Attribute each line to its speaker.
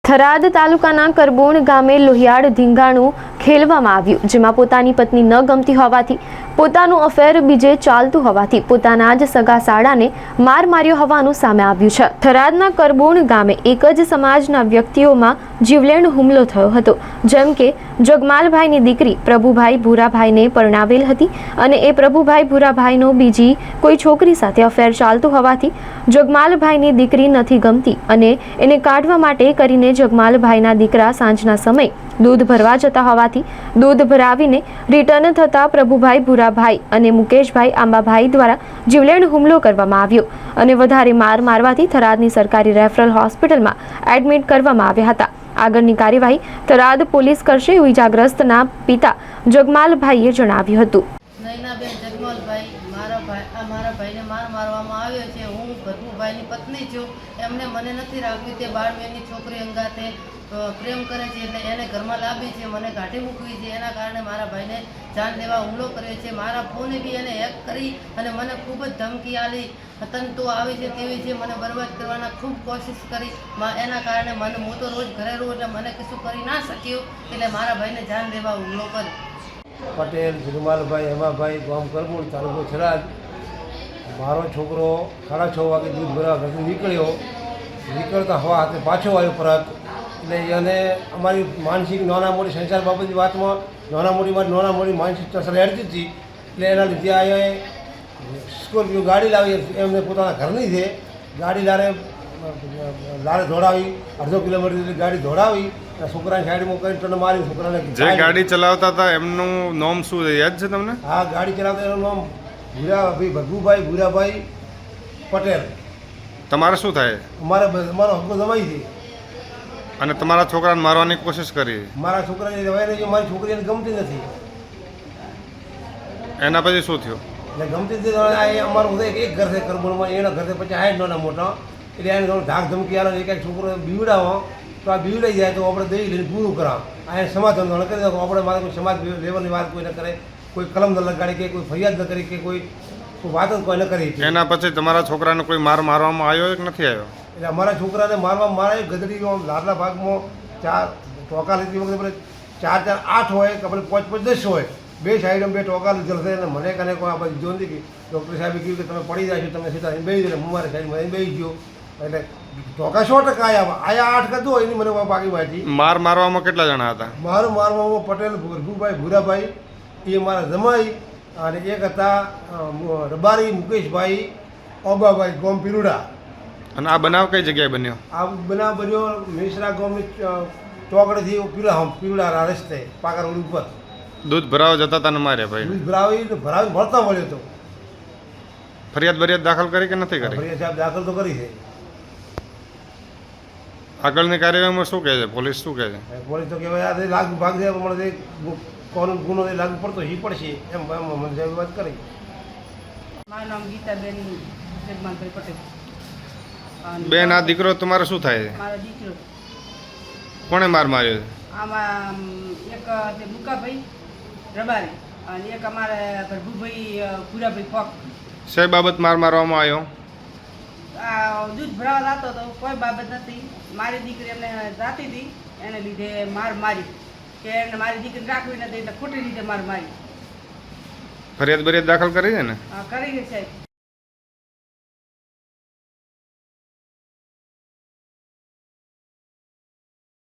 Speaker 1: થરાદ તાલુકાના કરબોણ ગામે લોહિયાળ ધીંગાણું ખેલવામાં આવ્યું, જેમાં પોતાની પત્ની ન ગમતી હોવાથી પોતાનું અફેર બીજે ચાલતું હોવાથી પોતાના જ સગા સાળાને માર માર્યો હોવાનું સામે આવ્યું છે। થરાદના કરબોણ ગામે એક જ સમાજના વ્યક્તિઓમાં જીવલેણ હુમલો થયો હતો, જેમ કે જગમાલભાઈની દીકરી પ્રભુભાઈ ભૂરાભાઈને પરણાવેલ હતી અને એ પ્રભુભાઈ ભૂરાભાઈનો બીજી કોઈ છોકરી સાથે અફેર ચાલતું હોવાથી જગમાલભાઈની દીકરી નથી ગમતી અને એને કાઢવા માટે કરીને જગમાલભાઈના દીકરા સાંજના સમયે દૂધ ભરવા જતા હોવાથી દૂધ ભરાવીને રિટર્ન થતા પ્રભુભાઈ ભૂરાભાઈ અને મુકેશભાઈ આંબાભાઈ દ્વારા જીવલેણ હુમલો કરવામાં આવ્યો અને વધારે માર મારવાથી થરાદની સરકારી રેફરલ હોસ્પિટલમાં એડમિટ કરવામાં આવ્યા હતા। આગળની કાર્યવાહી થરાદ પોલીસ કરશે એવું ઇજાગ્રસ્તના પિતા જગમાલભાઈએ જણાવ્યું હતું।
Speaker 2: નૈનાબેન જગમાલભાઈ મારા ભાઈને માર મારવામાં આવ્યો છે। હું ભરભુભાઈની પત્ની છું। એમને મને નથી રાખવી, તે બાળબેનની છોકરી અંગાતે પ્રેમ કરે છે, એટલે એને ઘરમાં લાવી છે, મને કાઢી મૂકવી છે। એના કારણે મારા ભાઈને જાન લેવા હુમલો કર્યો છે। મારા ફોને બી એને હેક કરી અને મને ખૂબ જ ધમકી આલી, તંતુ આવી છે તેવી છે, મને બરબાદ કરવાના ખૂબ કોશિશ કરી। એના કારણે હું તો રોજ ઘરે રહું એટલે મને કશું કરી ના શક્યું, એટલે મારા ભાઈને જાન લેવા હુમલો કર્યો।
Speaker 3: પટેલ જગમાલભાઈ હેમાભાઈ ગામ કરબોણ તાલુકો થરાદ। મારો છોકરો 6:30 વાગે દૂધ ભરવા ઘરથી નીકળતા હવા હાથે પાછો આવ્યો પરત, એટલે એને અમારી માનસિક નાના મોટી સંસાર બાબતની વાતમાં નાના મોટી માનસિક અસર હેડતી હતી, એટલે એના લીધે આ સ્કોર્પિયો ગાડી લાવી, એમને પોતાના ઘરની છે, ગાડી લારે દોડાવી 1/2 કિલોમીટર ગાડી દોડાવી, છોકરાની સાઈડમાં કરી ટન મારી, છોકરાને
Speaker 4: જે ગાડી ચલાવતા હતા એમનું નામ શું છે, યાદ છે તમને?
Speaker 3: હા, ગાડી ચલાવતા એનું નામ ભરભુભાઈ ભૂરાભાઈ પટેલ।
Speaker 4: તમારે શું થાય?
Speaker 3: અમારો હક્કો જમાઈ છે
Speaker 4: અને તમારા છોકરાને મારવાની કોશિશ કરી?
Speaker 3: મારા છોકરાને રવાઈને જો મારી છોકરીને ગમતી નથી,
Speaker 4: એના પછી શું થયું?
Speaker 3: એટલે ગમતી નથી અમારું એક ઘર છે કરબોણમાં, એના ઘરથી પછી આ નાના મોટા, એટલે એને થોડું ધાક ધમકી આવે, એક છોકરો બીવડાવો તો આ બીવડાઈ જાય તો આપણે દઈ લઈને પૂરું કરાવ, આ એને સમાધાન કરી દો, આપણે મારે કોઈ સમાજ લેવલની વાત કોઈ ન કરે, કોઈ કલમ ન લગાડી કે કોઈ ફરિયાદ ન કરી કે કોઈ વાત જ કોઈ ન કરી।
Speaker 4: એના પછી તમારા છોકરાને કોઈ મારવામાં આવ્યો કે નથી આવ્યો?
Speaker 3: એટલે અમારા છોકરાને મારવામાં મારે ગદડી લાડલા ભાગમાં 4 ટોકા લીધી વખતે 4 8 હોય કે આપણે 5 10 હોય, બે સાઈડમાં 2 ટોકા લીધેલ છે, અને મને કને કોઈ આપણે જો નથી કે ડૉક્ટર સાહેબે કહ્યું કે તમે પડી જાય છો, તમે સીધા બેસી જાય, હું મારી સાઈડમાં બેસી ગયો, એટલે ટોકા 100% આયા 8 કદો એની મને બાકી માહિતી।
Speaker 4: મારવામાં કેટલા જણા હતા?
Speaker 3: મારવામાં પટેલ ભરભુભાઈ ભૂરાભાઈ એ મારા જમાઈ, અને એક હતા રબારી મુકેશભાઈ ઓબાભાઈ ગોમ પીરુડા।
Speaker 4: અને આ બનાવ કઈ જગ્યાએ બન્યો?
Speaker 3: આ બનાવ બન્યો મિશ્રા ગામની ચોકડીથી પીરુડા રસ્તે પાકા રોડ ઉપર।
Speaker 4: દૂધ ભરાવા જતા હતા ને માર્યા ભાઈ?
Speaker 3: દૂધ ભરાવી ભરતા મળ્યો હતો।
Speaker 4: ફરિયાદ દાખલ કરી કે નથી કરી?
Speaker 3: ફરિયાદ સાહેબ દાખલ તો કરી છે।
Speaker 4: આગળની કાર્યવાહીમાં શું કહે છે પોલીસ? શું કહે છે
Speaker 3: પોલીસ? તો કહેવાય આ લાગુ ભાગ છે, મને ગુનો લાગુ પડતો એ પડશે એમ મને સાહેબ વાત કરી।
Speaker 2: મારું નામ ગીતાબેન જગમાલભાઈ પટેલ।
Speaker 4: બેન, આ દીકરો તમારો શું થાય છે?
Speaker 2: મારો દીકરો।
Speaker 4: કોણે માર માર્યો છે?
Speaker 2: આમાં એક છે મુકાભાઈ રબારી અને એક અમારા ભરભુભાઈ ભૂરાભાઈ પોક।
Speaker 4: શેર બાબત મારવામાં આવ્યો?
Speaker 2: આ દૂધ ભરાવા જતો હતો, કોઈ બાબત નથી, મારી દીકરી એમને જાતી હતી, એને લીધે મારી કે એને મારી દીકરી રાખવી નથી, એટલે ખોટી રીતે મારી।
Speaker 4: ફરિયાદ દાખલ કરી છે ને?
Speaker 2: કરી છે સાહેબ।